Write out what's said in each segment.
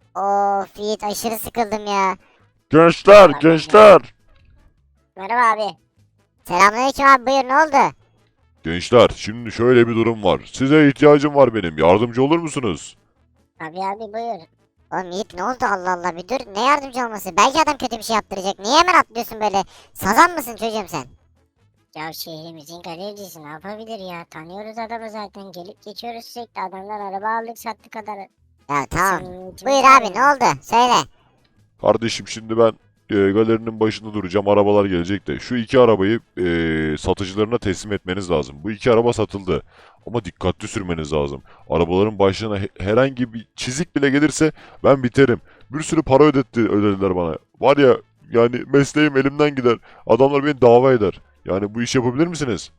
Of Yiğit aşırı sıkıldım ya. Gençler, gençler. Merhaba abi. Selamünaleyküm abi, buyur, ne oldu? Gençler, şimdi şöyle bir durum var. Size ihtiyacım var benim. Yardımcı olur musunuz? Abi buyur. Oğlum Yiğit ne oldu, Allah Allah, bir dur, ne yardımcı olması? Belki adam kötü bir şey yaptıracak. Niye hemen atlıyorsun böyle? Sazan mısın çocuğum sen? Ya şehrimizin galericisi ne yapabilir ya? Tanıyoruz adamı zaten. Gelip geçiyoruz sürekli. Adamdan araba aldık sattık kadar. Ya tamam. Samimiyetimiz Buyur var abi, ne ya. oldu? Söyle. Kardeşim şimdi ben galerinin başında duracağım. Arabalar gelecek de. Şu iki arabayı satıcılarına teslim etmeniz lazım. Bu iki araba satıldı. Ama dikkatli sürmeniz lazım. Arabaların başına herhangi bir çizik bile gelirse ben biterim. Bir sürü para ödediler bana. Var ya, yani mesleğim elimden gider. Adamlar beni dava eder. Yani bu işi yapabilir misiniz?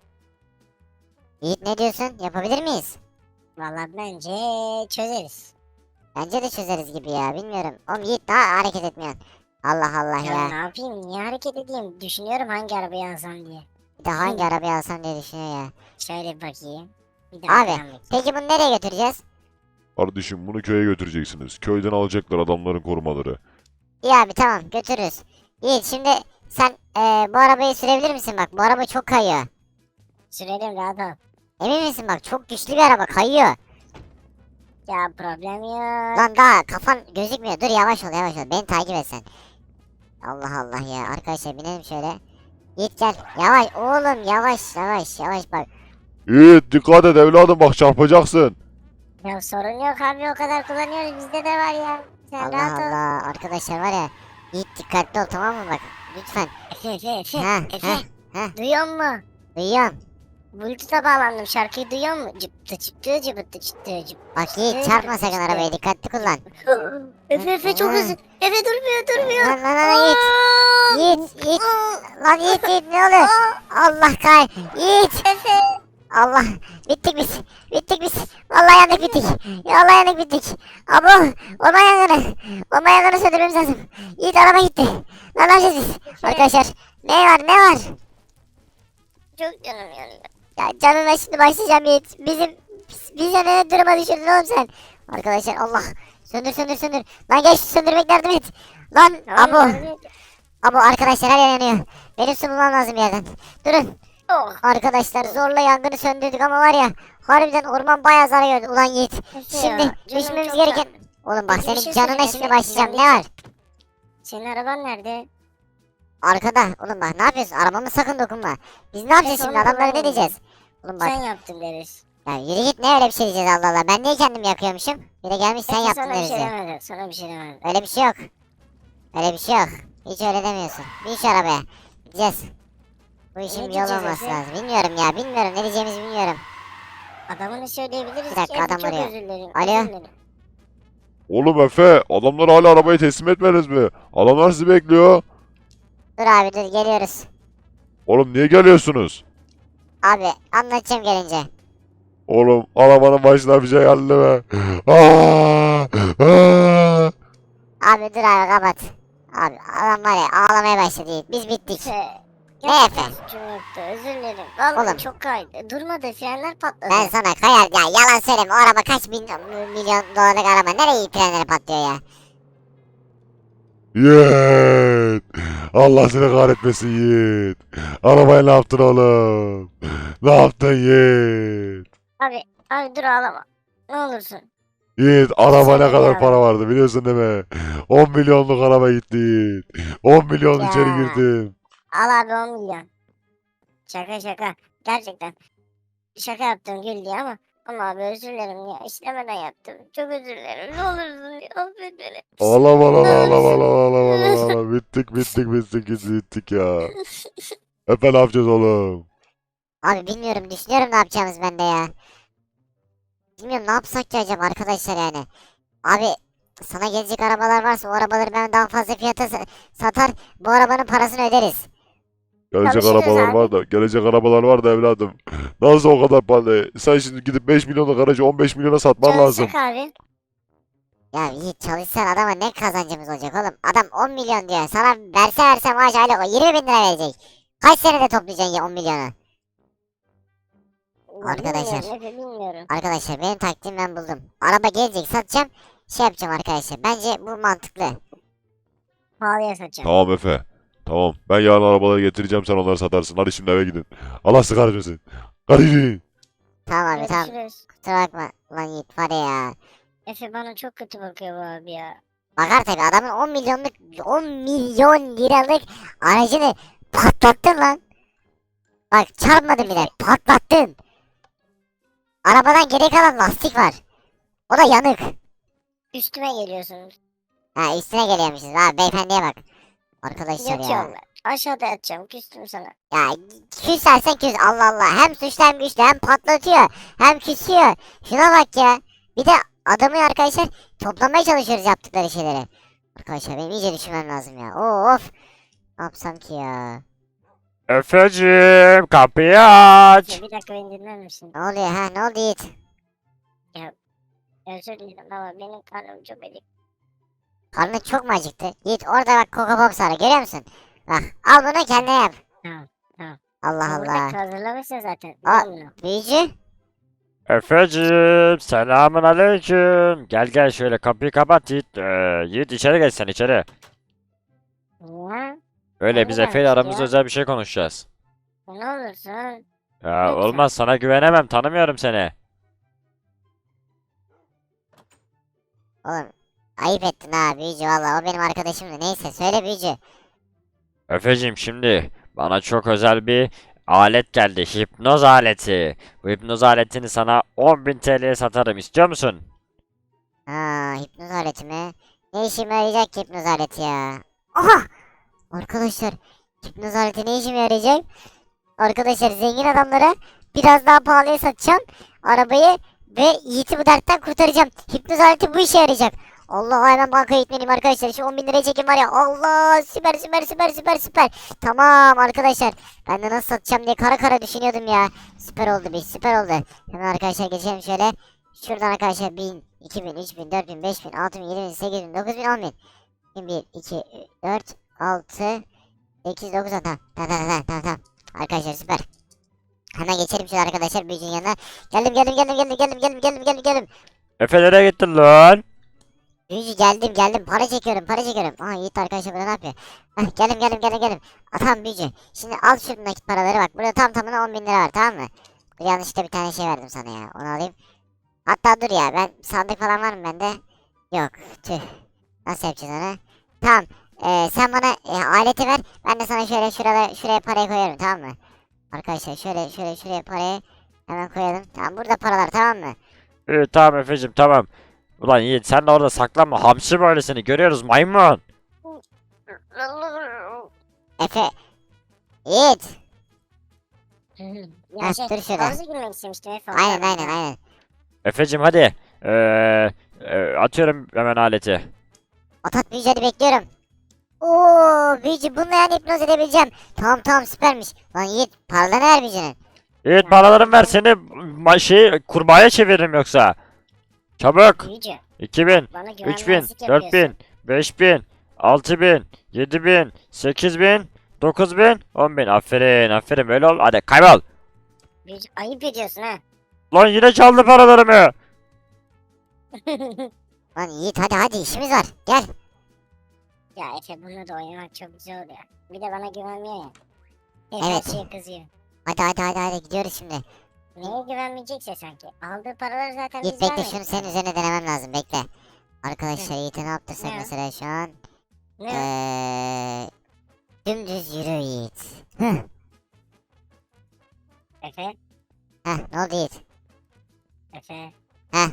Yiğit ne diyorsun? Yapabilir miyiz? Valla bence çözeriz. Bence de çözeriz gibi ya, bilmiyorum. Oğlum Yiğit daha hareket etmiyorsun. Allah Allah Ya ne ya. yapayım? Niye hareket edeyim? Düşünüyorum hangi arabayı alsam diye. Bir de hangi arabayı alsam diye düşünüyor ya. Şöyle bir bakayım. Bir Abi daha bakayım. peki bunu nereye götüreceğiz? Kardeşim bunu köye götüreceksiniz. Köyden alacaklar adamların korumaları. İyi abi, tamam, götürürüz. Yiğit şimdi sen bu arabayı sürebilir misin, bak bu araba çok kayıyor. Sürelim rahat ol. Emin misin, bak çok güçlü bir araba, kayıyor. Ya problem yok. Lan daha kafan gözükmüyor, dur yavaş ol yavaş ol, beni takip et sen. Allah Allah ya, arkadaşlar binelim şöyle. Yiğit gel, yavaş oğlum, yavaş yavaş yavaş bak. Yiğit dikkat et evladım, bak çarpacaksın. Ya sorun yok abi, o kadar kullanıyoruz. Bizde de var ya. Sen Allah rahat ol. Allah, arkadaşlar var ya, Yiğit dikkatli ol, tamam mı, bak lütfen. Efe, Ha Efe, ha ha, duyuyor musun? duyuyorum. Bluetooth'a bağlandım. Şarkıyı duyuyor musun? Cıptı çıktı cıbıttı çıktı cıp. Bak Yiğit, çarpma sakın arabayı, dikkatli kullan. Efe çok hızlı. Efe durmuyor. Lan Yiğit. Yiğit. Lan Yiğit ne oluyor? Allah kay. Yiğit. Efe. Allah. Bittik biz. Bittik biz. Vallahi yandık bittik. Ya vallahi yandık bittik. Abo. Orman yangını. Orman yangını söndürmemiz lazım. Yiğit araba gitti. Lan ne yapacağız biz? Arkadaşlar. Ne var? Çok canım yanıyor. Ya canına şimdi başlayacağım Yiğit. Bize ne duruma düşürdün oğlum sen? Arkadaşlar Allah. Söndür. Lan geç, söndürmek yardım et. Lan abo. Abo arkadaşlar, her yer yanıyor. Benim su bulmam lazım bir yerden. Durun. Oh. Arkadaşlar zorla yangını söndürdük ama var ya, harbiden orman bayağı zarar gördü. Ulan Yiğit. Şimdi Canım düşmemiz çok gereken... can- Oğlum bak, Peki bir senin şey canına söyle, şimdi Efe, başlayacağım. sen Ne var? Senin araban nerede? Arkada. Oğlum bak, ne yapıyorsun? Arabama sakın dokunma. Biz ne yapacağız Efe, şimdi? onu Adamlara ne kullanmayın. diyeceğiz? Oğlum bak. Sen yaptın deriz. Ya yürü git, ne öyle bir şey diyeceğiz, Allah Allah. Ben niye kendim yakıyormuşum? Bir de gelmiş sen Efe, yaptın sana bir deriz şey ya. demedim. Sana bir şey demedim. Öyle bir şey yok. Öyle bir şey yok. Hiç öyle demiyorsun. Bin şu arabaya. Gideceğiz. Bu işin Ne bir yolu diyeceğiz olması Efe? lazım. Bilmiyorum ya, bilmiyorum. Ne diyeceğimizi bilmiyorum. Adamını söyleyebiliriz Bir dakika, ki. Efe, adam çok arıyor. özür dilerim. Alo? Özür dilerim. Oğlum Efe, adamlar hala arabayı teslim etmediniz mi? Adamlar sizi bekliyor. Dur abi dur, geliyoruz. Oğlum niye geliyorsunuz? Abi anlatacağım gelince. Oğlum arabanın başına bir şey geldi mi? Aa! Aa! Abi dur abi, kapat. Abi adam var ya, ağlamaya başladı. Biz bittik. Efe. Ne Efe? Suçum yoktu. Özür dilerim. Vallahi Oğlum. çok kaydı. Durmadı. Frenler patladı. Ben sana kayar ya, yalan söyleme, o araba kaç milyon dolarlık araba, nereye frenleri patlıyor ya? Yiğit! Allah seni kahretmesin Yiğit. Arabaya ne yaptın oğlum? Ne yaptın Yiğit? Abi dur ağlama. Ne olursun. Yiğit araba Söyle ne kadar ya. para vardı biliyorsun değil mi? 10 milyonluk araba gitti Yiğit. 10 milyon Ya. içeri girdim. Al abi 10 milyon. Şaka. Gerçekten. Şaka yaptım gül diye ama abi özür dilerim ya. İstemeden yaptım. Çok özür dilerim. Ne olursun ya. Affet beni. Ağlama. Bittik ya. Efe ne yapacağız oğlum? Abi bilmiyorum, düşünüyorum ne yapacağımız ben de ya. Bilmiyorum ne yapsak ki acaba arkadaşlar yani. Abi sana gelecek arabalar varsa o arabaları ben daha fazla fiyata satar, bu arabanın parasını öderiz. Gelecek Çalışırız arabalar abi. var da, gelecek arabalar var da evladım. Nasıl o kadar para? Sen şimdi gidip 5 milyonluk aracı 15 milyona satman lazım. Çalışsak abi. Ya Yiğit, çalışsan adama ne kazancımız olacak oğlum? Adam 10 milyon diyor. Sana verse maaş aylık o 20 bin lira verecek. Kaç senede toplayacaksın ya 10 milyonu? Arkadaşlar. Bilmiyorum, bilmiyorum. Arkadaşlar benim taktiğimi ben buldum. Araba gelecek, satacağım. şey yapacağım arkadaşlar. Bence bu mantıklı. Pahalıya satacağım. Tamam Efe. Tamam. Ben yarın arabaları getireceğim, sen onları satarsın. Hadi şimdi eve gidin. Allah sizi kahretmesin. Hadi gidin. Tamam abi tamam. Görüşürüz. Kusura bakma. Lan Yiğit var ya. Efe bana çok kötü bakıyor bu abi ya. Bakar tabii, adamın 10 milyon liralık aracını patlattın lan. Bak çarpmadın bile, patlattın. Arabadan geri kalan lastik var. O da yanık. Üstüme geliyorsunuz. Ha, üstüne geliyormuşuz. Ha, beyefendiye bak. Arkadaşlar ya. Yatıyorum ben. Aşağıda yatacağım. Küstüm sana. Ya küsersen küs, Allah Allah. Hem suçlu hem güçlü, hem patlatıyor hem küsüyor. Şuna bak ya. Bir de adamı arkadaşlar toplamaya çalışıyoruz yaptıkları şeyleri. Arkadaşlar benim iyice düşünmem lazım ya. Of. Ne yapsam ki ya? Efeciğim kapıyı aç. Ya bir dakika beni dinler misin? Ne oluyor ha? Ne oldu Yiğit? Özür dilerim ama benim karnım çok acık. Karnın çok mu acıktı? Yiğit orada bak, Coco Box var, görüyor musun? Bak al bunu kendine yap. Tamam, tamam. Allah Burada Allah. hazırlamışsın zaten. Aa. Biliyor musun? Büyücü. Efeciğim selamun aleyküm. Gel gel şöyle kapıyı kapat Yiğit. Yiğit içeri geç sen içeri. Ya Öyle biz Neden Efe ile aramızda ya? özel bir şey konuşacağız. ne olursun. Ya Lütfen. olmaz, sana güvenemem, tanımıyorum seni. Oğlum ayıp ettin ha büyücü, valla o benim arkadaşımdı. Neyse söyle büyücü. Efeciğim şimdi bana çok özel bir alet geldi. Hipnoz aleti. Bu hipnoz aletini sana 10.000 TL'ye satarım. İstiyor musun? Ha, hipnoz aleti mi? Ne işime yarayacak ki hipnoz aleti ya? Aha! Arkadaşlar hipnoz aleti ne işime yarayacak? Arkadaşlar zengin adamlara biraz daha pahalıya satacağım arabayı ve Yiğit'i bu dertten kurtaracağım. Hipnoz aleti bu işe yarayacak. Allah, hemen bankaya gitmeliyim arkadaşlar. Şu 10 bin liraya çekim var ya. Allah, süper süper süper süper süper. Tamam arkadaşlar. Ben de nasıl satacağım diye kara kara düşünüyordum ya. Süper oldu, bir süper oldu. Hemen arkadaşlar geçelim şöyle. Şuradan arkadaşlar 1000, 2000, 3000, 4000, 5000, 6000, 7000, 8000, 9000, 10000. 1, 2, 4, 6, 8, 9, 10. Tamam tamam tamam tamam tamam. Arkadaşlar süper. Hemen geçelim şöyle arkadaşlar büyücünün yanına. Geldim. Efe nereye gittin lan? Büyücü geldim. Para çekiyorum. Aha Yiğit arkadaşlar burada ne yapıyor? Heh, geldim. Tamam büyücü. Şimdi al şu nakit paraları, bak. Burada tam tamına 10 bin lira var, tamam mı? Bu yanlışlıkla bir tane şey verdim sana ya. Onu alayım. Hatta dur ya, ben sandık falan var mı bende? Yok. Tüh. Nasıl yapacağız onu? Tamam. Sen bana aleti ver. Ben de sana şöyle şuraya parayı koyarım, tamam mı? Arkadaşlar şuraya parayı hemen koyalım. Tamam, burada paralar, tamam mı? İyi tamam Efeciğim tamam. Ulan Yiğit sen de orada saklanma. Hamsi böylesini görüyoruz maymun. Efe. Yiğit. Ya Heh, şey, dur şurada. havuza girmek istemiştim Efe. Aynen. Efeciğim hadi. Atıyorum hemen aleti. Atat büyücü, hadi bekliyorum. Oo büyücü, bununla yani hipnoz edebileceğim. Tamam süpermiş. Lan Yiğit, paralarını ver büyücünün. Yiğit paralarımı ver, seni kurbağaya çeviririm yoksa. Çabuk. Büyücü. 2000, Bana 3000, güvenmezlik 4000, yapıyorsun. 5000, 6000, 7000, 8000, 9000, 10000. Aferin böyle ol. Hadi kaybol. Büyücü ayıp ediyorsun ha. Lan yine çaldı paralarımı. Lan Yiğit, hadi işimiz var. Gel. Ya Efe bununla da oynamak çok güzel oluyor. Bir de bana güvenmiyor ya. Hep Evet. her şeye kızıyor. Hadi gidiyoruz şimdi. Neye güvenmeyecekse sanki. Aldığı paraları zaten Yiğit biz bekle, vermedik. şunu senin üzerine denemem lazım, bekle. Arkadaşlar Yiğit'e ne yaptırsak Ne? mesela şu an? Ne? Dümdüz yürü Yiğit. Efe? Ne oldu Yiğit? Efe? Heh.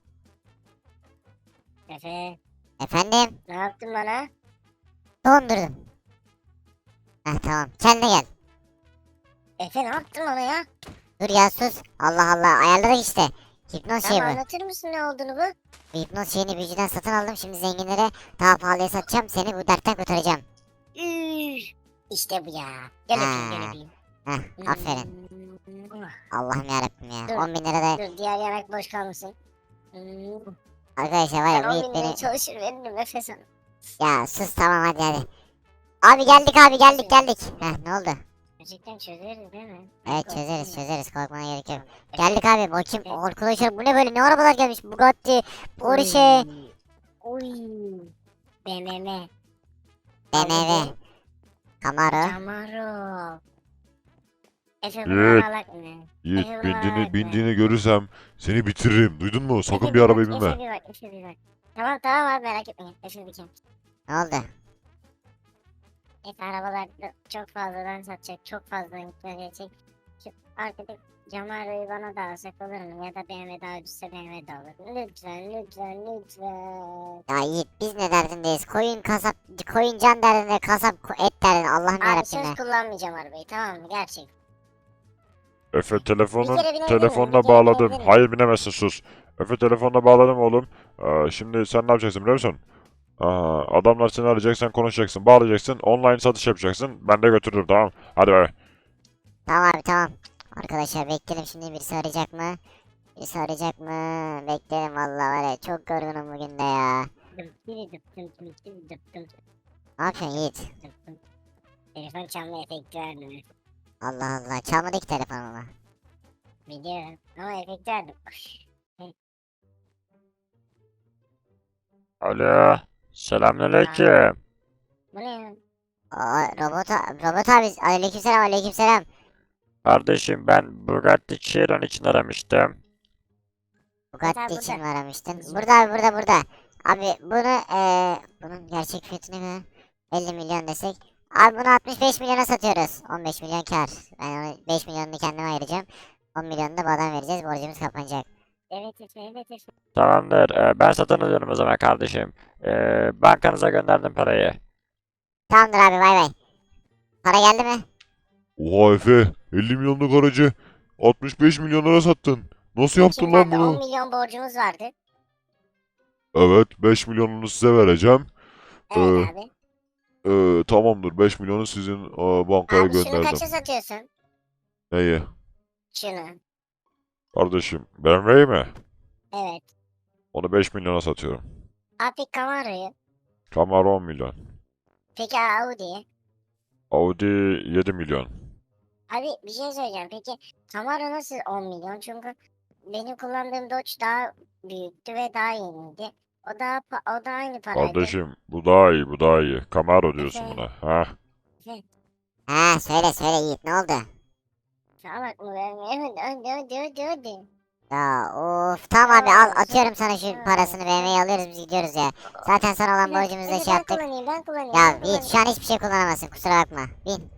Efe? Efendim? Ne yaptın bana? Dondurdum. Tamam, kendine gel. Efe ne yaptın bana ya? Dur ya, sus. Allah Allah, ayarladık işte. Hipnoz şeyi Tamam bu. anlatır mısın ne olduğunu bu? Bu hipnoz şeyini büyücüden satın aldım. Şimdi zenginlere daha pahalıya satacağım. Seni bu dertten kurtaracağım. Üf, İşte bu ya. Gel öpeyim gel Ha. öpeyim. Aferin. Hmm. Allah'ım yarabbim ya. Dur. 10 bin lira da Dur diğer yanak boş kalmasın. arkadaşlar var Ben ya, bu 10 Yiğit bin liraya beni... çalışır veririm Efe sana. Ya sus, tamam hadi. Abi geldik. Ne oldu? Gerçekten çözeriz değil mi? Evet çözeriz, korkmana gerek yok. Geldik abi, bakayım arkadaşlar, bu ne böyle, ne arabalar gelmiş? Bugatti, Porsche. Uy. BMW. BMW. Camaro. Camaro. Efe Yiğit. bunları alak mı? Yiğit Efe bunları alak mı? bindiğini görürsem seni bitiririm. Duydun mu? Sakın Efe bir arabaya bak, binme. Efe bir bak, Efe bir bak. Tamam tamam abi merak etme. Efe bir kere. Ne oldu? Efe arabalar çok fazladan satacak. Çok fazla miktar gelecek. Şu arkadaki Camaro'yu bana da alsak olur mu? Ya da BMW daha ucuzsa BMW de alır. Lütfen lütfen lütfen. Ya Yiğit biz ne derdindeyiz? Koyun can derdinde, kasap et derdinde. Allah'ım Abi yarabbim söz ya. kullanmayacağım arabayı tamam mı? Gerçek. Efe Bir kere binebilir miyim? Bir telefonla kere bağladım. binebilir miyim? Hayır binemezsin sus. Efe telefonla bağladım oğlum. Şimdi sen ne yapacaksın biliyor musun? Adamlar seni arayacak, sen konuşacaksın, bağlayacaksın, online satış yapacaksın. Ben de götürürüm tamam. Hadi bay. Tamam abi tamam. Arkadaşlar bekleyelim, şimdi birisi arayacak mı? Birisi arayacak mı? Bekleyelim vallahi, var ya çok yorgunum bugün de ya. Ne yapıyorsun Yiğit? Telefon çalma efekti verdim. Allah Allah, çalmadı ki telefonumu. Biliyorum ama efekt verdim. Alo. Selamünaleyküm. Bu ne ya? Robot abi, aleykümselam aleykümselam. Kardeşim ben Bugatti Chiron için aramıştım. Bugatti için burada. mi aramıştın? Bizim- Burada abi, burada. Abi bunu bunun gerçek fiyatı ne kadar? 50 milyon desek. Abi bunu 65 milyona satıyoruz. 15 milyon kar. Ben onu 5 milyonunu kendime ayıracağım. 10 milyonunu da bu adama vereceğiz. Borcumuz kapanacak. Evet Efe evet Efe. Tamamdır. Ben satın alıyorum o zaman kardeşim. Bankanıza gönderdim parayı. Tamamdır abi, bay bay. Para geldi mi? Oha Efe, 50 milyonluk aracı 65 milyonlara sattın. Nasıl yaptın Şimdi lan zaten 10 bunu? milyon borcumuz vardı. Evet, 5 milyonunu size vereceğim. Evet abi. Tamamdır, 5 milyonu sizin bankaya Abi şunu gönderdim. kaça satıyorsun? Neyi? Şunu. Kardeşim, BMW'yi mi? Evet. Onu 5 milyona satıyorum. Abi Camaro'yu. Camaro 10 milyon. Peki Audi'yi. Audi 7 milyon. Abi bir şey söyleyeceğim. Peki Camaro nasıl 10 milyon? Çünkü benim kullandığım Dodge daha büyüktü ve daha yeniydi. O da aynı paraydı. Kardeşim, bu daha iyi, bu daha iyi. Camaro diyorsun Efe. buna. Ha? Ha, söyle Yiğit, ne oldu? Salak mı vermiyor? Hadi. Ya of, tamam abi, al, atıyorum sana şu parasını, BMW'yi alıyoruz, biz gidiyoruz ya. Zaten sana olan borcumuzu da şey yaptık. Ben kullanayım. Ya ben Yiğit, şu an hiçbir şey kullanamazsın, kusura bakma. Bin.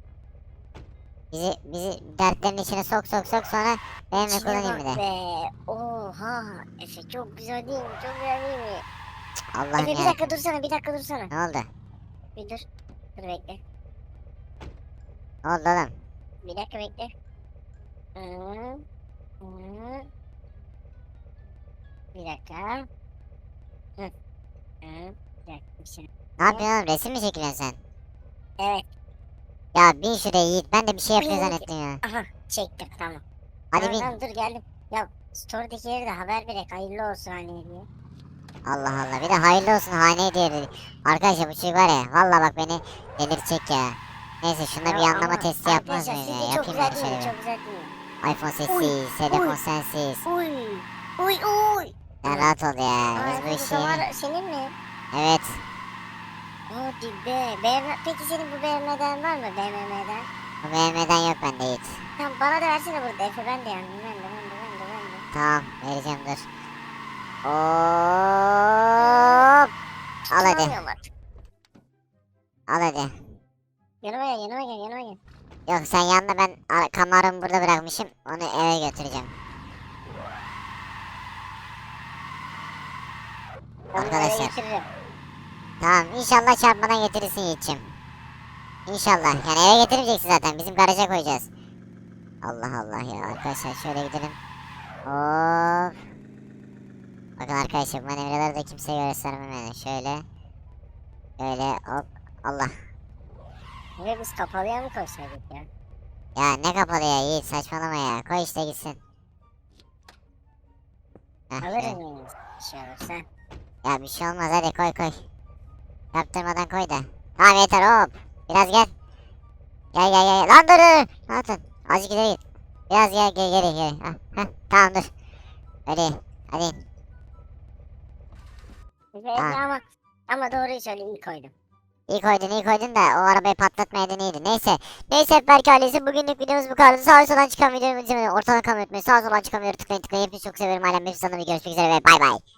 Bizi dertlerin içine sok sonra BMW kullanayım bir de. Be. Oha. Efe çok güzel değil mi? Çok güzel değil mi? Allah'ım Efe ya. bir dakika dursana. Ne oldu? Bir dur. Dur bekle. Ne oldu oğlum? Bir dakika bekle. Hı. Hı. Bir dakika. Hı. Hı. Bir dakika bir şey. Ne yapıyorsun oğlum? Resim mi çekiliyorsun sen? Evet. Ya bin şuraya Yiğit. Ben de bir şey yapıyor Bin. zannettim ya. Aha çektim tamam. Hadi Tamam, bin. tamam, dur geldim. Ya story'dekileri de haber vererek hayırlı olsun hani diye. Allah Allah. Bir de hayırlı olsun hane diye dedi. Arkadaşlar bu çocuk var ya. Valla bak beni delirtecek ya. Neyse şuna bir Ya anlama ama testi yapmaz arkadaşlar, mıyız ya? sizce çok Yapayım güzel ben değil mi? şöyle Çok güzel değil mi? bir. iPhone sessiz. Telefon sensiz. Uy. Uy uy. Sen rahat ol ya. Aa, Biz bu bu işi... kamera senin mi? Evet. Hadi be. BMW... Peki senin bu BMW'den var mı? BMW'den? Bu BMW'den yok bende Yiğit. Tamam bana da versene burada Efe ben de yandım. Ben de. Tamam vereceğim, dur. Hop. Al hadi. Tutamıyorum artık. Al hadi. Yanıma gel. Yok sen yanına, ben Camaro'mu burada bırakmışım. Onu eve götüreceğim. Ben bunu eve Arkadaşlar. getiririm. Tamam, inşallah çarpmadan getirirsin Yiğit'ciğim. İnşallah. Yani eve getirmeyeceksin zaten. Bizim garaja koyacağız. Allah Allah ya. Arkadaşlar şöyle gidelim. Hop. Bakın arkadaşlar, bu manevraları da kimseye göstermem yani. Şöyle. Şöyle hop. Allah. Ve biz kapalıya mı koysaydık ya? Ya ne kapalı ya Yiğit, saçmalama ya. Koy işte gitsin. Heh, Alırız şöyle. mıyız? Bir şey olursa. Ya bir şey olmaz, hadi koy. Yaptırmadan koy da. Tamam yeter, hop. Biraz gel. Gel. Lan dur. Ne yaptın? Azıcık ileri git. Biraz geri. Heh, tamam dur. Hadi. Ama doğruyu söyle iyi koydum. İyi koydun da o arabayı patlatmayaydın iyiydi. Neyse Berk ailesi bugünlük videomuz bu kadar. Sağ soldan çıkan videomu ortadan kalmayı unutmayın. Sağ soldan çıkan videoyu tıklayın. Hepinizi çok severim. Alem hepsi sana bir görüşmek üzere ve bay bay.